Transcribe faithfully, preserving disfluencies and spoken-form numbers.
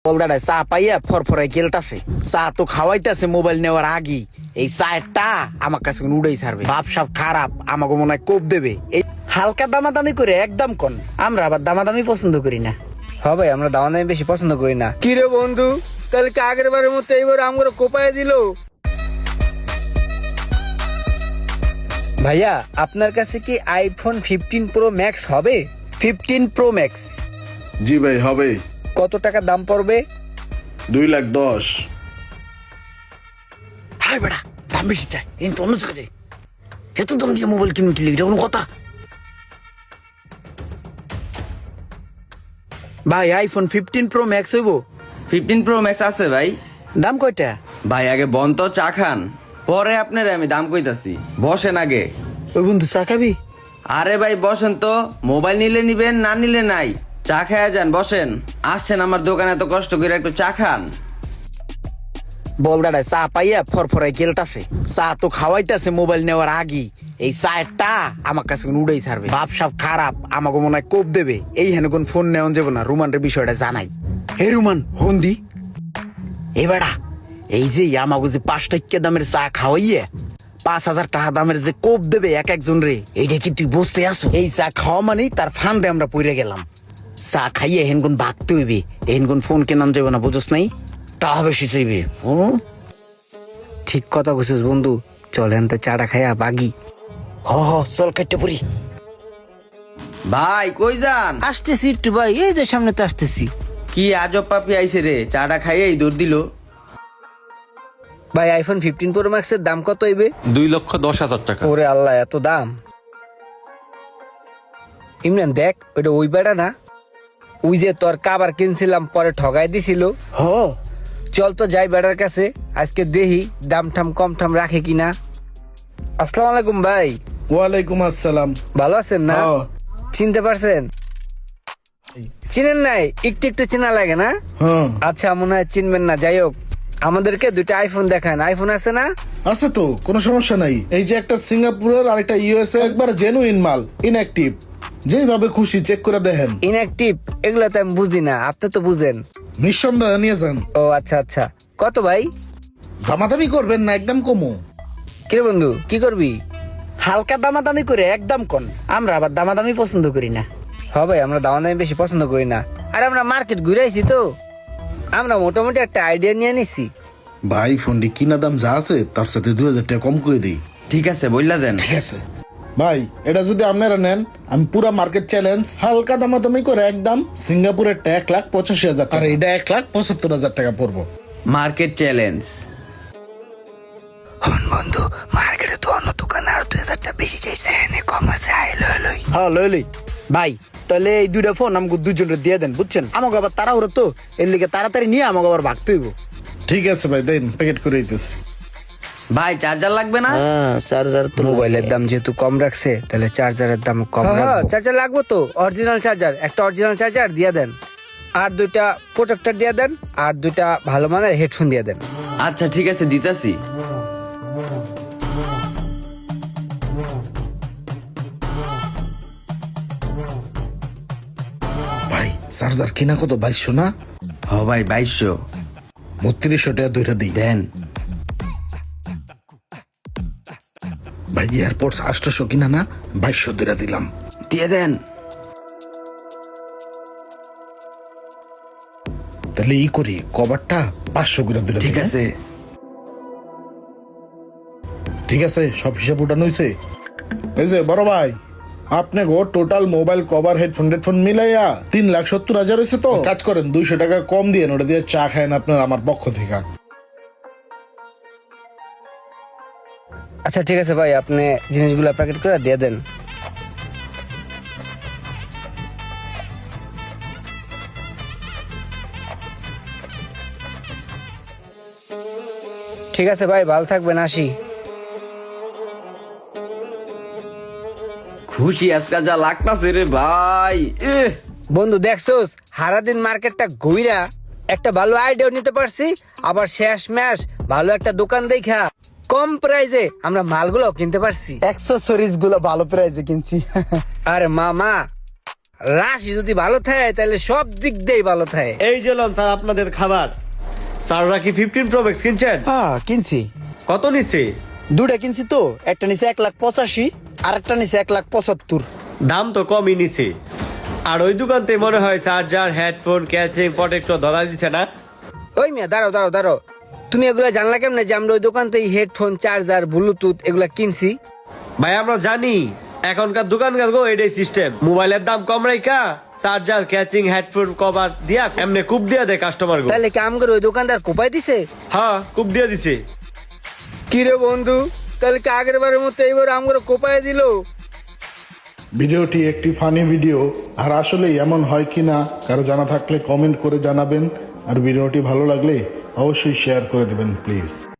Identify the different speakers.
Speaker 1: বলদাটায় চা পাইয়া ফরফরাই গেলতাছে, চা তো খাওয়াইতেছে মোবাইল নেওয়ার আগেই। এই চায়েরটা আমার কাছে উড়াই ছাড়বে, বাপ সাপ খারাপ, আমাকে মনে হয় কোপ দেবে। এই হালকা দামাদামি করে একদম কন, আমরা আবার দামাদামি পছন্দ করি না।
Speaker 2: হ্যাঁ ভাই, আমরা দাওয়া দামি বেশি পছন্দ করি না। কি রে বন্ধু, তাহলে কি আগের বারের মতো এইবার আমগুলো কোপায় দিল? ভাইয়া, আপনার কাছে কি আইফোন ফিফটিন প্রো ম্যাক্স হবে?
Speaker 1: Fifteen pro max?
Speaker 3: জি ভাই হবে।
Speaker 2: কত টাকা দাম পড়বে?
Speaker 3: দুই লাখ দশ।
Speaker 1: হাই বেড়া, দাম বেশি চাই, এই তো অন্য জায়গায় যাই। এত দাম দিয়ে মোবাইল কিনুন কিনলে এটা কোনো কথা? ভাই আইফোন ফিফটিন প্রো ম্যাক্স হইব?
Speaker 4: ফিফটিন প্রো ম্যাক্স আছে ভাই।
Speaker 1: দাম কয়টা?
Speaker 4: ভাই আগে বন তো চা খান, পরে আপনার আমি দাম কইতাছি। বসেন আগে।
Speaker 1: ওই বন্ধু চা খাবি?
Speaker 4: আরে ভাই বসেন তো, মোবাইল নিলে নিবেন, না নিলে নাই। চা খায়া যান, বসেন। আসছেন আমার দোকানে এত কষ্ট করে, একটু চা খান।
Speaker 1: বলদাটায় চা পাইয়া ফরফরাই গেলতাছে, চা তো খাওয়াইতেছে মোবাইল নেওয়ার আগেই। এই চায়েরটা আমার কাছে উড়াই ছাড়বে, বাপ সাপ খারাপ, আমাকে মনে হয় কোপ দেবে। এই হেন কোন ফোন নেওয়া যাবে না, রুমানের বিষয়টা জানাই। হে রুমান হন্দি, এবারা এই যে আমাকে যে পাঁচ টাকা দামের চা খাওয়াইয়ে পাঁচ হাজার টাকা দামের যে কোপ দেবে এক একজন রে, এইটা কি তুই বুঝতে আসো? এই চা খাওয়া মানেই তার ফান্দে আমরা পড়ে গেলাম। চা খাইয়ে হেনগুন ভাগতে হইবে, হেনগুন ফোন কেনান যাবে না, বুঝোস নাই? তা হবে শিখাইবে। ও
Speaker 2: ঠিক কথা কইছিস বন্ধু, চলেন তো চাটা খাইয়া বাগি।
Speaker 1: হ হ চল কাটতে পড়ি।
Speaker 4: ভাই কই যান?
Speaker 2: আসতেছি একটু ভাই, এই যে সামনে তো আসতেছি।
Speaker 4: কি আজব পাপি আইছে রে, চাটা খাইয়েই দৌড় দিল।
Speaker 2: ভাই আইফোন ফিফটিন প্রো ম্যাক্স এর দাম কত হইবে?
Speaker 5: দুই লক্ষ দশ হাজার টাকা।
Speaker 2: ওরে আল্লাহ, এত দাম! ইমরান দেখ, ওইটা ওই বেড়া না? ওই যে তোর কাবার কিনছিলাম পরে ঠগাই দিছিল।
Speaker 1: হ
Speaker 2: চল তো যাই বেড়ার কাছে, আজকে দেখি দাম ঠাম কম ঠাম রাখে কিনা। আসসালামু আলাইকুম ভাই।
Speaker 3: ওয়ালাইকুম আসসালাম।
Speaker 2: ভালো আছেন না?
Speaker 3: হ্যাঁ।
Speaker 2: চিনতে পারছেন? চিনেন নাই? একটু একটু চেনা লাগে না?
Speaker 3: হ্যাঁ
Speaker 2: আচ্ছা, মনে হয় চিনবেন না। যাই হোক, আমাদেরকে দুইটা আইফোন দেখান। আইফোন আছে না?
Speaker 3: আছে তো, কোনো সমস্যা নাই। এই যে একটা সিঙ্গাপুরের আর একটা ইউএসএ, একবার জেনুইন মাল, ইনঅ্যাক্টিভ। যেইভাবে খুশি চেক করে দেখেন।
Speaker 2: ইনঅ্যাক্টিভ এগুলো তো আমি বুঝি না, আপনি তো বুঝেন।
Speaker 3: নিঃসন্দেহে নিয়ে যান।
Speaker 2: ও আচ্ছা আচ্ছা, কত ভাই?
Speaker 3: দামাদামি করবেন না, একদম কমো।
Speaker 2: কিরে বন্ধু, কি করবি?
Speaker 1: হালকা দামাদামি করে একদম কন, আমরা আবার দামাদামি পছন্দ করি না।
Speaker 2: হ্যাঁ ভাই, আমরা দাম দামি বেশি পছন্দ করি না। আর আমরা মার্কেট ঘুরে আইছি তো, আমরা মোটামুটি একটা আইডিয়া নিয়ে নিছি।
Speaker 3: ভাই ফোনটি কিনা দাম যা আছে তার সাথে দুই হাজার টাকা কম করে দিই।
Speaker 4: ঠিক আছে, বললা দেন।
Speaker 3: ঠিক আছে ভাই, এটা যদি আপনারা নেন, আমি পুরা মার্কেট চ্যালেঞ্জ হালকা দামাদামি করে একদম সিঙ্গাপুরের এক লাখ পঁচাশি হাজার আর এটা এক লাখ পঁচাত্তর হাজার টাকা পড়বো।
Speaker 4: Market challenge.
Speaker 2: বন্ধু, মার্কেটে তো অন্য দোকানে আর দুই হাজার টাকা বেশি চাইছে, এনে কম আছে। আই লই লই।
Speaker 1: হ্যাঁ লই লই ভাই, তাহলে এই দুইটা ফোন আমাকে দুজনের দিয়ে দেন, বুঝছেন? আমাকে আবার তাড়াহুড়ো তো, এর লিগে তাড়াতাড়ি নিয়ে আমাকে আবার ভাগতে হইব।
Speaker 3: ঠিক আছে ভাই, দেন প্যাকেট করে দিতেছি।
Speaker 4: ভাই চার্জার লাগবে না?
Speaker 1: হ্যাঁ চার্জার তো
Speaker 2: মোবাইলের দাম যেহেতু কম রাখছে, তাহলে চার্জারের দাম কম রাখবো। চার্জার লাগবে তো, অরিজিনাল চার্জার, একটা অরিজিনাল চার্জার দিয়ে দেন। আর দুইটা প্রোটেক্টর দিয়ে দেন, আর দুইটা ভালো মানের হেডফোন দিয়ে দেন।
Speaker 4: আচ্ছা ঠিক আছে, দিতাছি।
Speaker 3: ভাই চার্জার কিনা কত? বাইশশো না?
Speaker 4: হ ভাই, বাইশশো।
Speaker 3: বত্রিশশো টাকা দুইটা দিই।
Speaker 4: দেন।
Speaker 3: ভাই এয়ারপোর্টস আটশোশো কিনা না? বাইশশো দুইটা দিলাম।
Speaker 4: দিয়ে দেন।
Speaker 3: তাহলে ই করি, কভারটা পাঁচশো করে দিলাম।
Speaker 4: ঠিক আছে।
Speaker 3: ঠিক আছে, সব হিসাব উঠানো হয়েছে। এই যে বড় ভাই, আপনি গো total mobile cover headphone headphone মিলাইয়া তিন লাখ সত্তর হাজার হয়েছে। তো কাজ করেন, দুইশো টাকা কম দিয়ে ওটা দিয়ে চা খায়েন আপনার আমার পক্ষ থেকে।
Speaker 2: আচ্ছা ঠিক আছে ভাই, আপনি জিনিসগুলো প্যাকেট করে দিয়ে দেন। ঠিক আছে ভাই, ভালো থাকবেন, আসি।
Speaker 4: খুশি আজকাল যা লাগতাছে রে ভাই। এহ,
Speaker 2: বন্ধু দেখছোস, সারাদিন মার্কেটটা ঘুইরা একটা ভালো আইডিয়া নিতে পারছি, আবার শেষ ম্যাশ ভালো একটা দোকান দেখা কম প্রাইসে আমরা মালগুলো কিনতে পারছি।
Speaker 1: অ্যাক্সেসরিজ গুলো ভালো প্রাইসে কিনছি।
Speaker 2: আরে মামা, রাশি যদি ভালো থাকে তাহলে সব দিক দিয়েই ভালো থাকে।
Speaker 5: এই যে লন স্যার আপনাদের খাবার। স্যাররা কি ফিফটিন প্রো ম্যাক্স কিনছেন?
Speaker 1: হ্যাঁ কিনছি,
Speaker 5: কত নিচ্ছে?
Speaker 1: দুটা কিনছি তো, একটা নিচে এক লাখ পঁচাশি আর একটা নিচে এক লাখ পঁচাত্তর।
Speaker 5: দাম তো কমই নিছে। আর ওই দোকানতে মনে হয় চার্জার, হেডফোন, ক্যাচিং, প্রোটেক্টর ধরা দিচ্ছে না?
Speaker 2: ওই মিয়া দাঁড়াও দাঁড়াও দাঁড়াও, তুমি এগুলা জানলা কেমনে যে আমরা ওই দোকান থেকে হেডফোন, চার্জার, ব্লুটুথ এগুলা কিনছি?
Speaker 5: ভাই আমরা জানি এখনকার দোকানকার গো এটাই সিস্টেম, মোবাইলের দাম কম রাইকা চার্জার, ক্যাচিং, হেডফোন, কভার দিয়া এমনি কুপ দিয়া দেয় কাস্টমার গো।
Speaker 2: তাহলে কি আমাকে ওই দোকানদার কোপাই দিছে?
Speaker 5: হ্যাঁ কুপ দিয়া দিছে।
Speaker 2: কি রে বন্ধু, তাহলে কি আগের বারের মতো এইবার আমাকে কোপাই দিল?
Speaker 3: ভিডিওটি একটি ফানি ভিডিও, আর আসলে এমন হয় কিনা কারো জানা থাকলে কমেন্ট করে জানাবেন, আর ভিডিওটি ভালো লাগলে অবশ্যই শেয়ার করে দেবেন প্লিজ।